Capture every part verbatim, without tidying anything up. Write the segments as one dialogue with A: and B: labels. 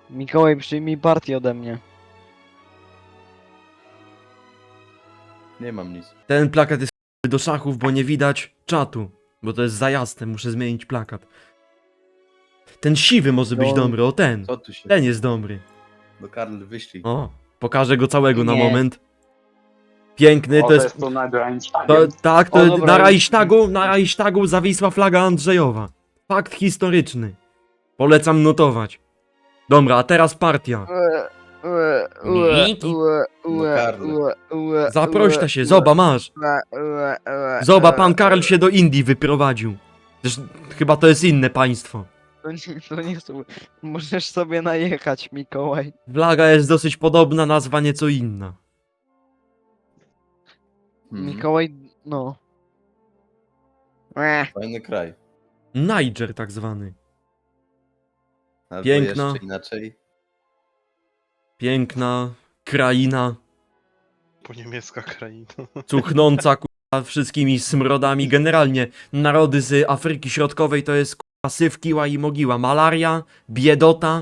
A: Mikołaj, przyjmij partię ode mnie.
B: Nie mam nic.
C: Ten plakat jest do szachów, bo nie widać czatu. Bo to jest za jasne, muszę zmienić plakat. Ten siwy może być
A: No.
C: dobry, o ten.
B: Co tu się...
C: Ten jest dobry.
B: No Karl, wyślij.
C: O, pokażę go całego na
A: Nie.
C: moment. Piękny,
D: O,
C: to jest...
D: to na Reichstagiem.
C: To, tak, to
A: O, dobra.
C: na Reichstagu, na Reichstagu zawisła flaga Andrzejowa. Fakt historyczny. Polecam notować. Dobra, a teraz partia. Zaprośta się, zoba masz. Zoba, pan Karl się do Indii wyprowadził. Zresztą, chyba to jest inne państwo.
A: To nie, to nie są... Możesz sobie najechać, Mikołaj.
C: Flaga jest dosyć podobna, nazwa nieco inna.
B: Mhm.
A: Mikołaj, no. Ech,
B: Fajny kraj.
C: Niger tak zwany.
B: Albo
C: Piękno.
B: jeszcze inaczej.
C: Piękna kraina,
E: Po niemiecka kraina.
C: cuchnąca kurwa wszystkimi smrodami. Generalnie narody z Afryki Środkowej to jest kurwa syf, kiła i mogiła. Malaria, biedota.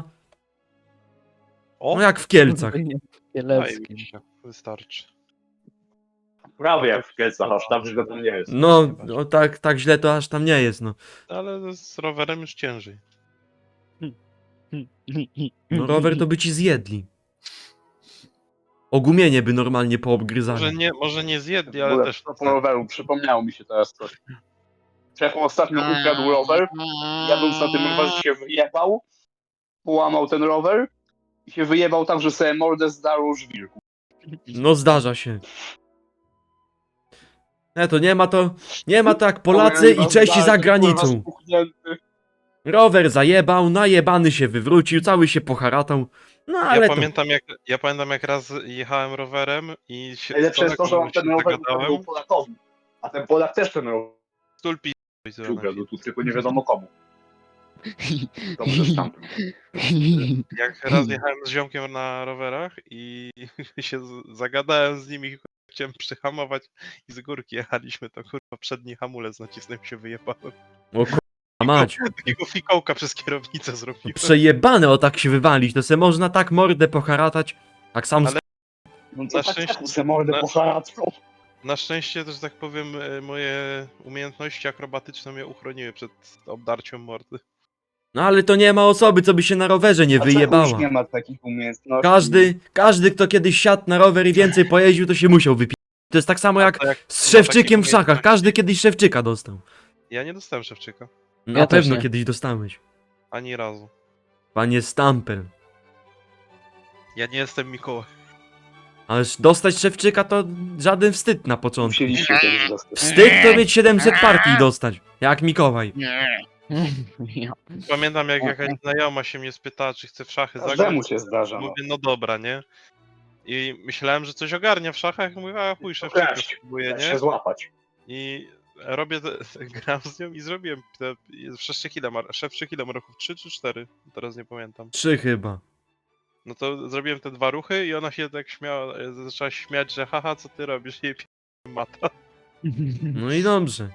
E: O,
C: No jak w Kielcach.
A: Kieleckim.
E: zajebiście. Wystarczy.
D: Prawie jak w Kielcach, aż tam źle to nie jest.
C: No, no tak, tak źle to aż tam nie jest, no.
E: Ale z rowerem już ciężej.
C: No rower to by ci zjedli. Ogumienie by normalnie
E: Może
C: poobgryzali.
E: nie, może nie zjedli,
D: W
E: ale
D: ogóle
E: też...
D: po roweru, przypomniało mi się teraz coś. Czech ostatnio ukradł rower, jadąc na tym rowerze się wyjebał, połamał ten rower i się wyjebał tak, że sobie mordę zdarł żwirku.
C: No zdarza się. Nie, to nie ma to, nie ma to jak Polacy i Czesi za granicą. Rower zajebał, najebany się wywrócił, cały się poharatał. No ale
E: Ja
C: to...
E: pamiętam, jak, ja pamiętam jak raz jechałem rowerem i się
D: Najlepsze jest to, że on
E: się
D: ten rower
E: zagadałem.
D: ukradł Polakowi, a ten Polak też ten rower
E: Stulpi
D: ukradł, tu tylko nie wiadomo komu. Dobrze stamtąd.
E: Jak raz jechałem z ziomkiem na rowerach i się z- zagadałem z nimi, chciałem przyhamować i z górki jechaliśmy, to kurwa przedni hamulec nacisnąłem, się wyjebałem.
C: O kurwa mać.
E: Takiego fikołka przez kierownicę zrobiłem.
C: Przejebane o tak się wywalić, to se można tak mordę poharatać, jak sam...
E: Ale-
D: No
E: Na
D: to tak
E: szczęście-
D: szczęście, se mordę
E: na-
D: pocharatką.
E: Na szczęście też, tak powiem, e, moje umiejętności akrobatyczne mnie uchroniły przed obdarciem mordy.
C: No ale to nie ma osoby, co by się na rowerze nie
D: A czemu już
C: wyjebała.
D: nie ma takich umiejętności.
C: Każdy, każdy, kto kiedyś siadł na rower i więcej pojeździł, to się musiał wypić. To jest tak samo jak
E: To jak
C: z
E: ma
C: Szewczykiem w
E: takie
C: szachach,
E: umiejętności-
C: każdy kiedyś Szewczyka dostał.
E: Ja nie dostałem Szewczyka.
C: Na
A: Ja też
C: pewno
A: nie.
C: kiedyś dostałeś.
E: Ani razu.
C: Panie Stampel.
E: Ja nie jestem Mikołaj.
C: Ależ dostać Szewczyka to żaden wstyd na początku.
D: Musieliście kiedyś dostać.
C: Wstyd to mieć siedemset partii i dostać. Jak Mikołaj.
E: Pamiętam, jak jakaś znajoma się mnie spytała, czy chce w szachy zagrać.
D: Każdemu się zdarza. No.
E: Mówię, no dobra, nie? I myślałem, że coś ogarnia w szachach. Mówię, a chuj, Szewczyka
D: Kraść.
E: spróbuję,
D: Da
E: nie?
D: się złapać.
E: I robię, te, gram z nią i zrobiłem te, Szewczyk ile ma, Szewczyk ile ma ruchów? trzy czy cztery? Teraz nie pamiętam.
C: Trzy chyba.
E: No to zrobiłem te dwa ruchy i ona się tak śmiała, e, zaczęła śmiać, że haha, co ty robisz? I p... mata.
C: No i dobrze.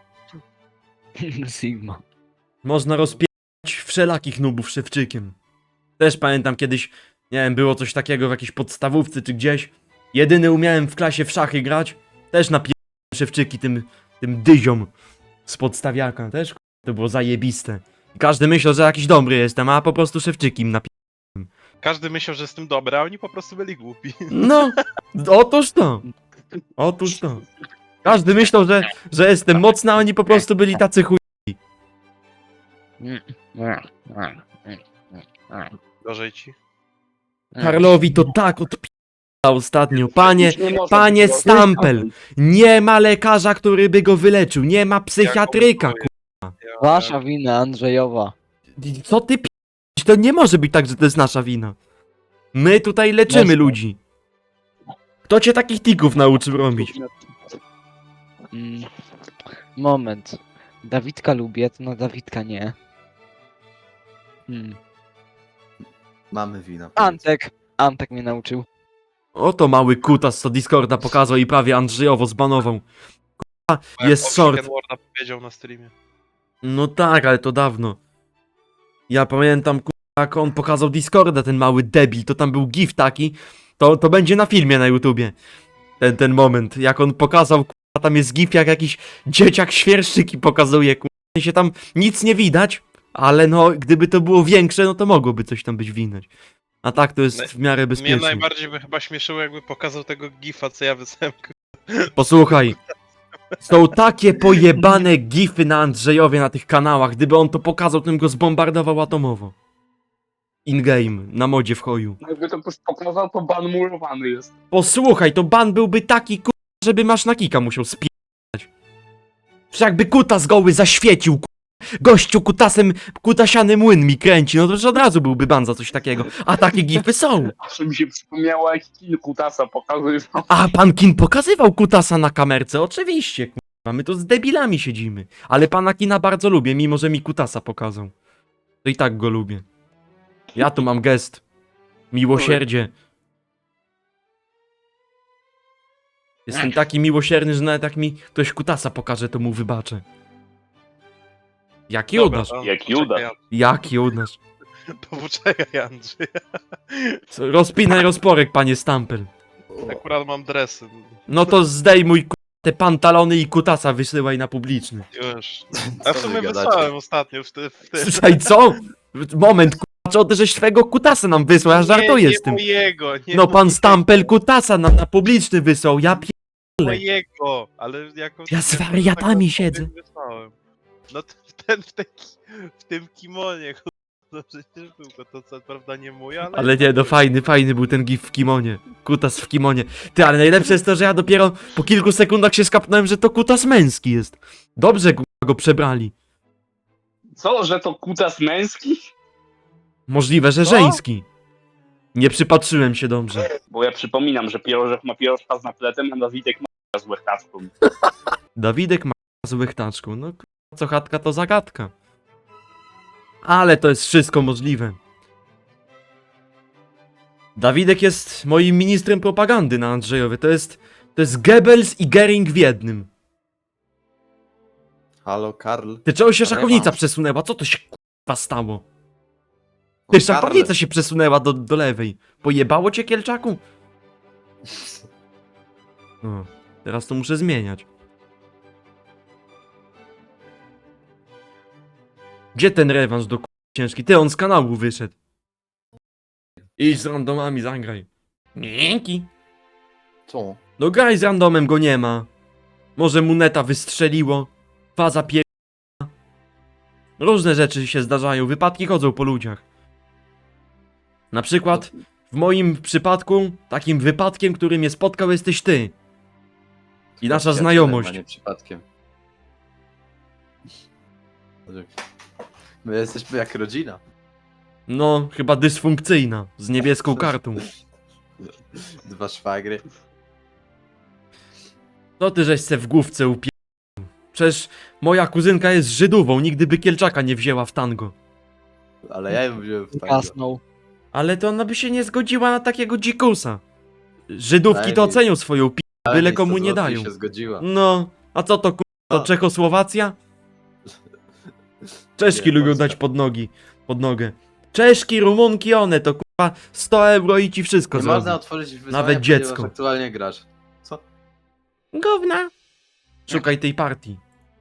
A: Sigma.
C: Można rozpierać wszelakich nubów Szewczykiem. Też pamiętam kiedyś, nie wiem, było coś takiego w jakiejś podstawówce czy gdzieś. Jedyny umiałem w klasie w szachy grać. Też napierdałem Szewczyki tym, tym dyziom z podstawiaka. Też k***a, to było zajebiste. I każdy myślał, że jakiś dobry jestem, a po prostu Szewczyki im napierdałem.
E: Każdy myślał, że jestem dobry, a oni po prostu byli głupi.
C: No, otóż to. Otóż to. Każdy myślał, że, że jestem mocny, a oni po prostu byli tacy chuj.
E: Gorzej ci.
C: Karlowi to tak odpi***a ostatnio. Panie,
D: Już nie może
C: panie
D: być
C: Stampel. Nie ma lekarza, który by go wyleczył. Nie ma psychiatryka.
E: Ja-
C: ku-
A: Wasza wina, Andrzejowa.
C: Co ty p***? To nie może być tak, że to jest nasza wina. My tutaj leczymy
A: Jasne.
C: ludzi. Kto cię takich tików nauczył robić?
A: Mm. Moment. Dawidka lubię, to na Dawidka nie. Hmm.
B: Mamy wina.
A: Antek. Antek mnie nauczył.
C: Oto mały kutas, co Discorda pokazał i prawie Andrzejowo zbanował. K***a,
E: Jak
C: jest
E: Oxygen
C: short.
E: Warda powiedział na streamie.
C: No tak, ale to dawno. Ja pamiętam, k***a, jak on pokazał Discorda, ten mały debil, to tam był gif taki, to, to będzie na filmie na YouTubie. Ten, ten moment, jak on pokazał, k***a, tam jest gif, jak jakiś dzieciak świerszczyki pokazuje, k***a, się tam nic nie widać, ale no, gdyby to było większe, no to mogłoby coś tam być widać. A tak to jest w miarę
E: Mnie
C: bezpieczne.
E: najbardziej by chyba śmieszyło, jakby pokazał tego gifa, co ja wysłałem.
C: Posłuchaj, są takie pojebane gify na Andrzejowie na tych kanałach, gdyby on to pokazał, to bym go zbombardował atomowo. In-game, na modzie w choju.
D: Jakby to pokazał, to ban murowany jest.
C: Posłuchaj, to ban byłby taki ku... żeby masz na kika musiał spierać. Przecież jakby kutas goły zaświecił, ku... gościu kutasem, kutasiany młyn mi kręci, no to już od razu byłby ban za coś takiego. A takie gify są.
D: Aż mi się przypomniało, jak Kin Kutasa pokazywał.
C: A pan Kin pokazywał kutasa na kamerce, oczywiście, kurwa, my tu z debilami siedzimy. Ale pana Kina bardzo lubię, mimo że mi kutasa pokazał. To i tak go lubię. Ja tu mam gest. Miłosierdzie. Jestem taki miłosierny, że nawet jak mi ktoś kutasa pokaże, to mu wybaczę. Jak Judasz?
E: to
D: Jak
E: poczekaj,
D: Judasz.
E: An-
C: Jak Judasz?
E: To poczekaj, Andrzej.
C: Co, rozpinaj rozporek, panie Stampel.
E: Akurat mam dresy.
C: No to zdejmuj ku- te pantalony i kutasa wysyłaj na publiczny.
E: Już. A w
B: Co wy
E: sumie
B: gadacie?
E: wysłałem ostatnio w ty, w ty.
C: Słuchaj, co? Moment, kurwa, co ty żeś swego kutasa nam wysłał, ja żartuję
E: nie,
C: z tym.
E: Nie mojego, nie
C: No pan
E: mojego,
C: Stampel kutasa nam na publiczny wysłał, ja pie...
E: mojego, ale jako...
C: Ja z wariatami
E: jako
C: siedzę.
E: wysłałem. No to ten, w, tej, w tym kimonie, kurwa, no przecież był go, to co prawda nie mój, ale...
C: Ale nie, no fajny, fajny był ten gif w kimonie. Kutas w kimonie. Ty, ale najlepsze jest to, że ja dopiero po kilku sekundach się skapnąłem, że to kutas męski jest. Dobrze kurwa, go przebrali.
D: Co, że to kutas męski?
C: Możliwe, że
D: Co?
C: żeński. Nie przypatrzyłem się dobrze.
D: Bo ja przypominam, że pierożek ma pierożka z napletem, a Dawidek ma z łechtaczką.
C: Dawidek ma z łechtaczką. No kurwa, co chatka to zagadka. Ale to jest wszystko możliwe. Dawidek jest moim ministrem propagandy na Andrzejowie. To jest, to jest Goebbels i Gering w jednym.
B: Halo, Karl.
C: Ty, czego się
B: Rewanż.
C: szachownica przesunęła? Co to się kurwa stało?
B: O,
C: Ty,
B: Karl.
C: szachownica się przesunęła do, do lewej. Pojebało cię, Kielczaku? No, teraz to muszę zmieniać. Gdzie ten rewanż do k***a ciężki? Ty, on z kanału wyszedł. Idź z randomami, zagraj. Dzięki.
B: Co?
C: No graj z randomem, go nie ma. Może mu neta wystrzeliło. Faza pier... Różne rzeczy się zdarzają, wypadki chodzą po ludziach. Na przykład, w moim przypadku, takim wypadkiem, który mnie spotkał, jesteś ty. I nasza
B: Przyjacielem,
C: znajomość.
B: a nie przypadkiem. My jesteśmy jak rodzina.
C: No, chyba dysfunkcyjna, z niebieską kartą.
B: Dwa szwagry.
C: Co ty żeś se w główce upie... Przecież moja kuzynka jest Żydówą, nigdy by Kielczaka nie wzięła w tango.
B: Ale ja ją wziąłem w tango.
A: Kasnął.
C: Ale to ona by się nie zgodziła na takiego dzikusa. Żydówki
B: Daj
C: to
B: mi-
C: ocenią swoją pi...
B: Ale
C: byle
B: mi
C: komu
B: sto
C: nie
B: złotych
C: dają.
B: się zgodziła.
C: No, a co to ku... to
B: A.
C: Czechosłowacja? Czeszki
B: Nie,
C: lubią
B: Polska.
C: dać pod nogi, pod nogę. Czeszki, Rumunki, one to kurwa sto euro i ci wszystko
B: Nie
C: zrobią.
B: można otworzyć wyzwania,
C: Nawet
B: ponieważ
C: dziecko.
B: aktualnie grasz. Co?
C: Gówna. Szukaj tej partii.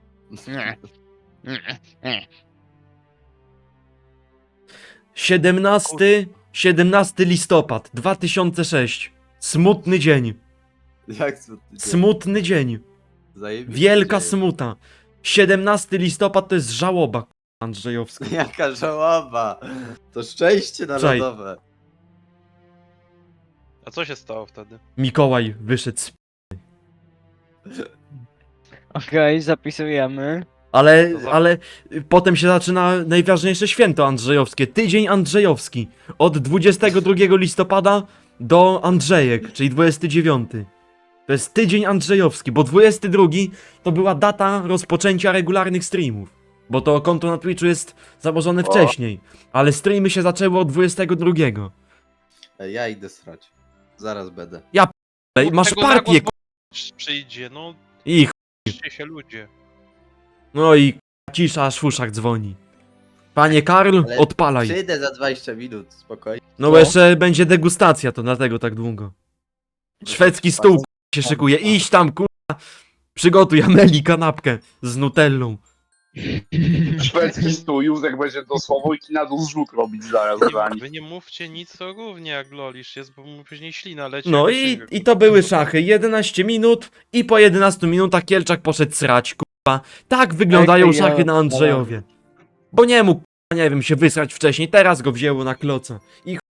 C: siedemnasty, siedemnasty listopad dwa tysiące szósty. Smutny dzień.
B: Jak co?
C: Smutny dzień.
B: Zajebiście
C: Wielka
B: dzieje.
C: smuta. siedemnasty listopad to jest żałoba k***a, Andrzejowska.
B: Jaka żałoba. To szczęście narodowe.
E: A co się stało wtedy?
C: Mikołaj wyszedł z...
A: Okej, zapisujemy.
C: Ale,
E: To za-
C: ale y, potem się zaczyna najważniejsze święto andrzejowskie. Tydzień andrzejowski. Od dwudziestego drugiego listopada do Andrzejek, czyli dwudziestego dziewiątego. To jest tydzień andrzejowski, bo dwudziesty drugi to była data rozpoczęcia regularnych streamów. Bo to konto na Twitchu jest założone
D: O.
C: wcześniej. Ale streamy się zaczęły od dwudziestego drugiego.
B: Ej, ja idę srać. Zaraz będę.
C: Ej, masz
E: Tego
C: partię,
E: nagłos
C: k***.
E: Przyjdzie, no,
C: I ch...
E: cieszcie się ludzie.
C: No i k***, cisza, aż w uszach dzwoni. Panie Karl,
B: Ale
C: odpalaj.
B: Przyjdę za dwadzieścia minut, spokojnie.
C: No bo jeszcze będzie degustacja, to dlatego tak długo. Szwedzki stół k***a, się szykuje. Idź tam, kurwa. Przygotuj Ameli kanapkę z nutellą.
D: Szwedzki stół, Józek będzie dosłownie i na dół zrzut robić zaraz za nim.
E: Wy nie mówcie nic o gównie, jak lolisz jest, bo mu później ślina leci.
C: No
E: jak
C: i,
E: księga,
C: i to były szachy. jedenaście minut i po jedenastu minutach Kielczak poszedł srać, kurwa. Tak wyglądają
A: Jak ja-
C: szachy na Andrzejowie. Bo nie mógł, kurwa, nie wiem, się wysrać wcześniej. Teraz go wzięło na kloca. I